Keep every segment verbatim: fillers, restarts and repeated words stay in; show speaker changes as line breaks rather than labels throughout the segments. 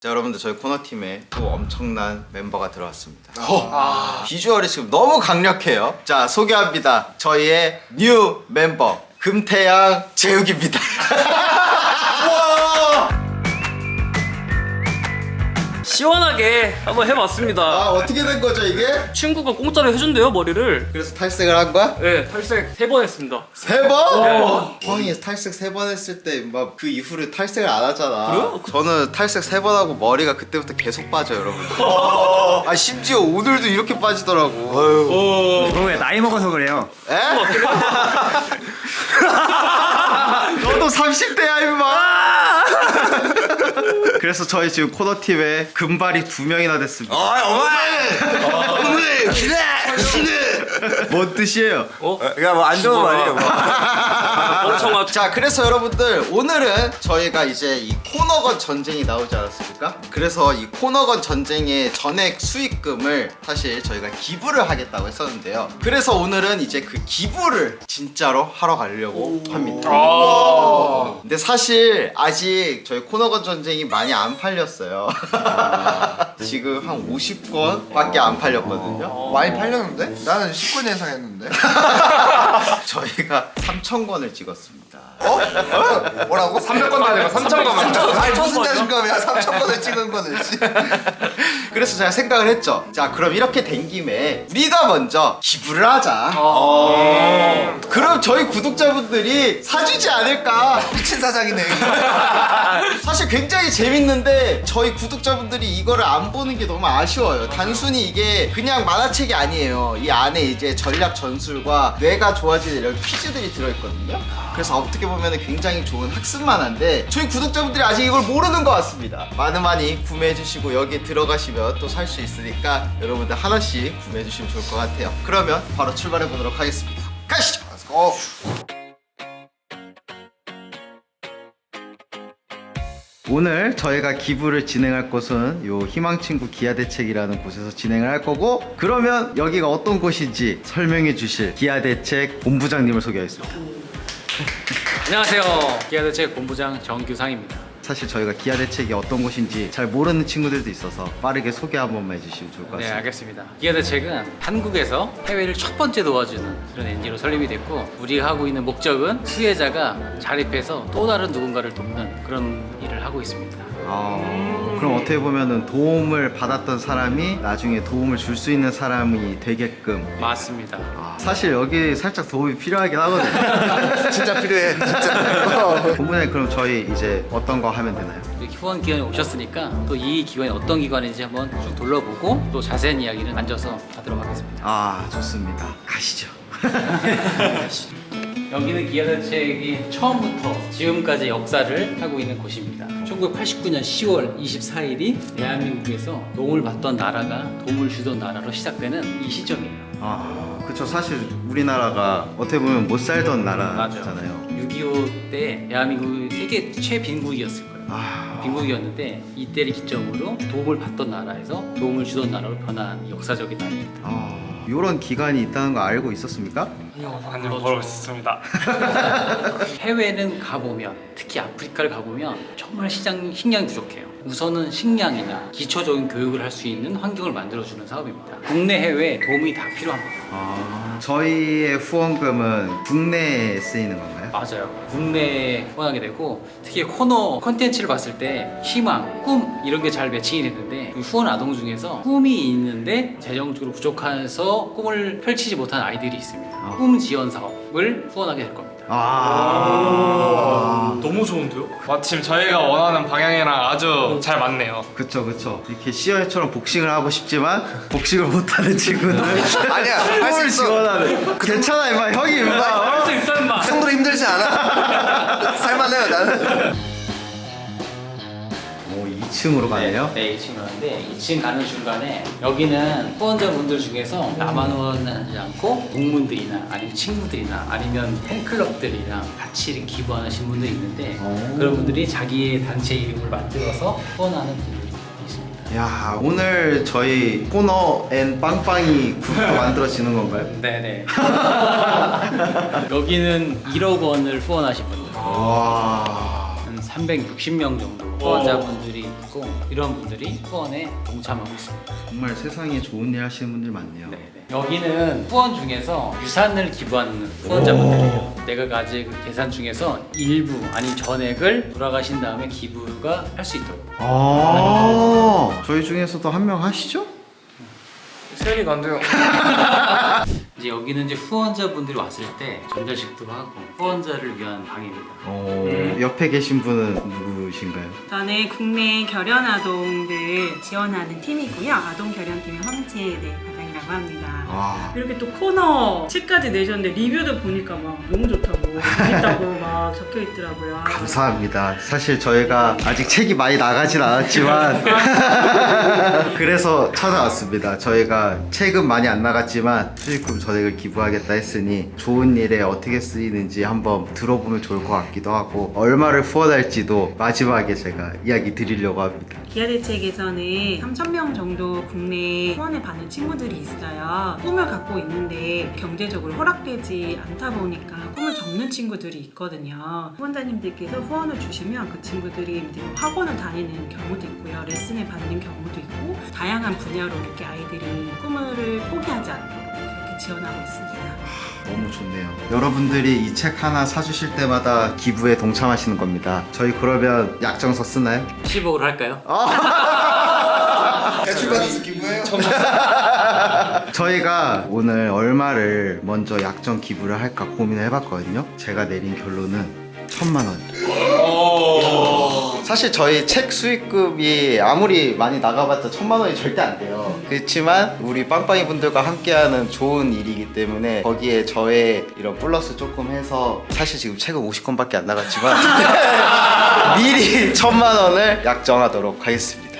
자, 여러분들 저희 코너팀에 또 엄청난 멤버가 들어왔습니다. 아. 비주얼이 지금 너무 강력해요. 자, 소개합니다. 저희의 뉴 멤버 금태양 재욱입니다.
시원하게 한번 해봤습니다.
아, 어떻게 된 거죠 이게?
친구가 공짜로 해준대요, 머리를.
그래서 탈색을 한 거야?
네, 탈색 세 번 했습니다.
세 번?
네.
형이 탈색 세 번 했을 때 막 그 이후로 탈색을 안 하잖아.
그래요?
저는 탈색 세 번 하고 머리가 그때부터 계속 빠져요, 여러분. 아, 심지어 오늘도 이렇게 빠지더라고.
어...
그거 왜 나이 먹어서 그래요?
에? 너도 삼십 대야 임마. 그래서 저희 지금 코너팀에 금발이 두 명이나 됐습니다.
오늘 기대 기대.
뭔 뜻이에요?
어?
그냥 뭐 안 좋은 말이에요. 뭐.
엄청
자, 그래서 여러분들 오늘은 저희가 이제 이 코너건 전쟁이 나오지 않았습니까? 그래서 이 코너건 전쟁의 전액 수익금을 사실 저희가 기부를 하겠다고 했었는데요. 그래서 오늘은 이제 그 기부를 진짜로 하러 가려고 합니다. 근데 사실 아직 저희 코너건 전쟁이 많이 안 팔렸어요. 지금 한 오십 권밖에 안 팔렸거든요.
많이 팔렸는데? 나는 십 권 예상했는데.
저희가 삼천 권을 찍었습니다.
어? 어? 뭐라고?
삼백 권도 아니고 삼천 권만
아니 무슨 자신감이야? 삼천 권을 찍은 거는.
그래서 제가 생각을 했죠. 자, 그럼 이렇게 된 김에 우리가 먼저 기부를 하자. 그럼 저희 구독자분들이 사주지 않을까.
미친 사장이네.
사실 굉장히 재밌는데 저희 구독자분들이 이거를 안 보는 게 너무 아쉬워요. 단순히 이게 그냥 만화책이 아니에요. 이 안에 이제 전략 전술과 뇌가 좋아지는 이런 퀴즈들이 들어있거든요. 그래서 어떻게 보면 굉장히 좋은 학습 만화인데 저희 구독자분들이 아직 이걸 모르는 것 같습니다. 많은 많이 구매해주시고 여기에 들어가시면 또 살 수 있으니까 여러분들 하나씩 구매해주시면 좋을 것 같아요. 그러면 바로 출발해보도록 하겠습니다. 가시죠.
어.
오늘 저희가 기부를 진행할 곳은 요 희망친구 기아대책이라는 곳에서 진행을 할 거고, 그러면 여기가 어떤 곳인지 설명해 주실 기아대책 본부장님을 소개하겠습니다.
안녕하세요. 기아대책 본부장 정규상입니다.
사실 저희가 기아대책이 어떤 곳인지 잘 모르는 친구들도 있어서 빠르게 소개 한 번만 해주시면 좋을 것
네,
같습니다.
알겠습니다. 기아대책은 한국에서 해외를 첫 번째 도와주는 그런 엔지오로 설립이 됐고, 우리가 하고 있는 목적은 수혜자가 자립해서 또 다른 누군가를 돕는 그런 일을 하고 있습니다.
아, 그럼 어떻게 보면은 도움을 받았던 사람이 나중에 도움을 줄 수 있는 사람이 되게끔.
맞습니다.
아, 사실 여기 살짝 도움이 필요하긴 하거든요.
진짜 필요해. 진짜.
본부장님, 그럼 저희 이제 어떤 거 하면 되나요?
이렇게 후원 기관에 오셨으니까 또 이 기관이 어떤 기관인지 한번 쭉 둘러보고 또 자세한 이야기는 앉아서 하도록 하겠습니다.
아, 좋습니다. 가시죠.
여기는 기아대책이 처음부터 지금까지 역사를 하고 있는 곳입니다. 천구백팔십구 년 시월 이십사일이 대한민국에서 도움을 받던 나라가 도움을 주던 나라로 시작되는 이 시점이에요.
아, 그쵸. 사실 우리나라가 어떻게 보면 못 살던 나라잖아요.
육이오 때 대한민국이 세계 최빈국이었을 거예요.
아,
빈국이었는데 이때를 기점으로 도움을 받던 나라에서 도움을 주던 나라로 변한 역사적인 날입니다.
아, 이런 기관이 있다는 거 알고 있었습니까?
아니요 모르고 있습니다.
해외는 가보면, 특히 아프리카를 가보면 정말 시장, 식량이 부족해요. 우선은 식량이나 기초적인 교육을 할 수 있는 환경을 만들어주는 사업입니다. 국내 해외 도움이 다 필요합니다.
아, 저희의 후원금은 국내에 쓰이는 건가요?
맞아요. 국내에 후원하게 되고, 특히 코너 컨텐츠를 봤을 때 희망, 꿈 이런 게 잘 매칭이 됐는데, 후원 아동 중에서 꿈이 있는데 재정적으로 부족해서 꿈을 펼치지 못한 아이들이 있습니다.
아.
꿈 지원 사업을 후원하게 될 겁니다.
아,
너무 좋은데요? 마침 저희가 원하는 방향이랑 아주 잘 맞네요.
그쵸, 그쵸. 이렇게 시어처럼 복싱을 하고 싶지만 복싱을 못하는 친구들.
아니야. 할 수
꿈을
있어.
지원하는. 괜찮아, 임마. 형이 임마.
할 수 있어, 임마!
그 정도로 힘들지 않아. 살만해요 나는.
오, 이 층으로 가네요.
네, 이 층 가는데 이 층 가는 중간에 여기는 후원자분들 중에서 나만 후원하지 않고 동문들이나 아니면 친구들이나 아니면 팬클럽들이랑 같이 이렇게 기부하시는 분들이 있는데,
오.
그런 분들이 자기의 단체 이름을 만들어서 후원하는 분들이 있습니다.
야, 오늘 저희 코너 앤 빵빵이 그룹도 만들어지는 건가요?
네네. 여기는 일억 원을 후원하신 분들,
와.
한 삼백육십 명 정도 후원자분들이 있고 이런 분들이 후원에 동참하고 있습니다.
정말 세상에 좋은 일 하시는 분들 많네요.
네네. 여기는 후원 중에서 유산을 기부하는 후원자분들이에요. 내가 가진 그 계산 중에서 일부 아니 전액을 돌아가신 다음에 기부가 할 수 있도록.
아, 저희 중에서도 한 명 하시죠?
세연이가 안 돼요.
이제 여기는 이제 후원자분들이 왔을 때 전자식도 하고 후원자를 위한 방입니다.
어, 옆에 계신 분은 누구신가요?
저는 국내 결연 아동들 지원하는 팀이고요. 아동 결연팀의 황지혜 과장이라고 합니다.
아,
이렇게 또 코너 책까지 내셨는데 리뷰도 보니까 막 너무 좋다고 재밌다고 막 적혀 있더라고요.
감사합니다. 사실 저희가 아직 책이 많이 나가진 않았지만 그래서 찾아왔습니다. 저희가 책은 많이 안 나갔지만 수익금 전액을 기부하겠다 했으니 좋은 일에 어떻게 쓰이는지 한번 들어보면 좋을 것 같기도 하고 얼마를 후원할지도 마지막에 제가 이야기 드리려고 합니다.
기아대책에서는 삼천 명 정도 국내 후원을 받는 친구들이 있어요. 꿈을 갖고 있는데 경제적으로 허락되지 않다 보니까 꿈을 접는 친구들이 있거든요. 후원자님들께서 후원을 주시면 그 친구들이 이제 학원을 다니는 경우도 있고요. 레슨을 받는 경우도 있고 다양한 분야로 이렇게 아이들이 꿈을 포기하지 않도록 그렇게 지원하고 있습니다.
너무 좋네요. 여러분들이 이 책 하나 사주실 때마다 기부에 동참하시는 겁니다. 저희 그러면 약정서 쓰나요?
십억으로 할까요?
대출 받아서 기부해요.
저희가 오늘 얼마를 먼저 약정 기부를 할까 고민을 해봤거든요. 제가 내린 결론은 천만 원. 사실 저희 책 수익금이 아무리 많이 나가봤자 천만 원이 절대 안 돼요. 그렇지만 우리 빵빵이 분들과 함께하는 좋은 일이기 때문에 거기에 저의 이런 플러스 조금 해서 사실 지금 책은 오십 권밖에 안 나갔지만 미리 천만 원을 약정하도록 하겠습니다.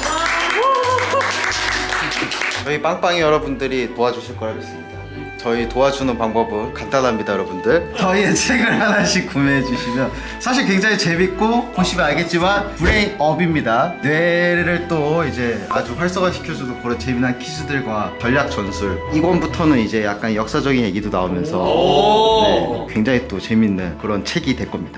저희 빵빵이 여러분들이 도와주실 거라 믿습니다. 저희 도와주는 방법은 간단합니다, 여러분들. 저희의 책을 하나씩 구매해 주시면 사실 굉장히 재밌고 보시면 알겠지만 브레인업입니다. 뇌를 또 이제 아주 활성화시켜주는 그런 재미난 퀴즈들과 전략 전술. 이 권부터는 이제 약간 역사적인 얘기도 나오면서 네, 굉장히 또 재밌는 그런 책이 될 겁니다.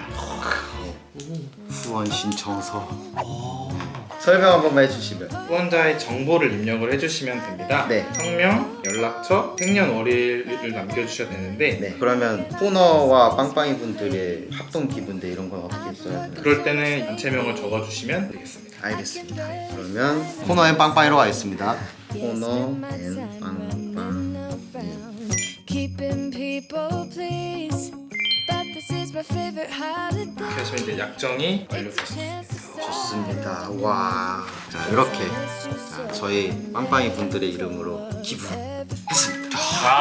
후원 신청서. 설명 한 번만 해주시면.
후원자의 정보를 입력을 해주시면 됩니다.
네.
성명, 연락처, 생년월일을 남겨주셔야 되는데
네. 그러면 코너와 빵빵이 분들의 합동 기부인데 이런 건 어떻게 써야 되나요?
그럴 때는 단체명을 적어주시면 되겠습니다.
알겠습니다. 그러면 코너엔 빵빵이로 가겠습니다. 코너엔 빵빵이.
Keeping people pleased, but this is my favorite holiday.
이렇게 하시면 이제 약정이 완료되십니다.
좋습니다. 와, 자 이렇게 자, 저희 빵빵이 분들의 이름으로 기부했습니다.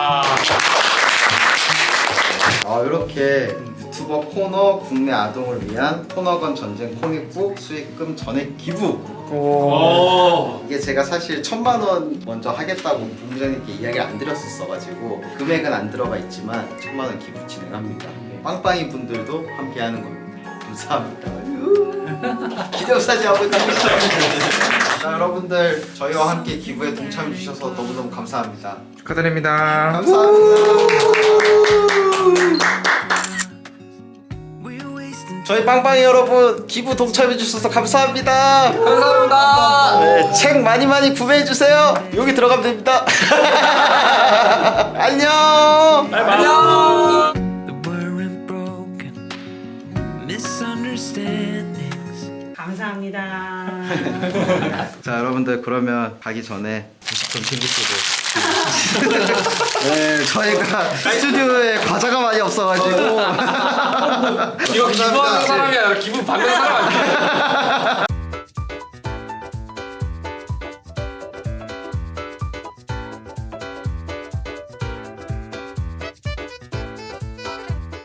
아 이렇게 유튜버 코너 국내 아동을 위한 코너건 전쟁 코믹북 수익금 전액 기부. 이게 제가 사실 천만 원 먼저 하겠다고 본부장님께 이야기를 안 드렸었어가지고 금액은 안 들어가 있지만 천만 원 기부 진행합니다. 빵빵이 분들도 함께하는 겁니다. 감사합니다. 기대 없이 하고 있습니다. 자 여러분들 저희와 함께 기부에 동참해 주셔서 너무너무 감사합니다.
축하드립니다.
감사합니다. 저희 빵빵이 여러분 기부 동참해 주셔서 감사합니다.
감사합니다.
네, 책 많이 많이 구매해 주세요. 여기 들어가면 됩니다. 안녕.
안녕.
The weren't broken misunderstandings.
감사합니다.
자 여러분들 그러면 가기 전에 좀 챙기시고. 네 저희가 스튜디오에 과자가 많이 없어가지고.
이거 기부하는 사람이 아니라 기부 받는 사람 아니에요?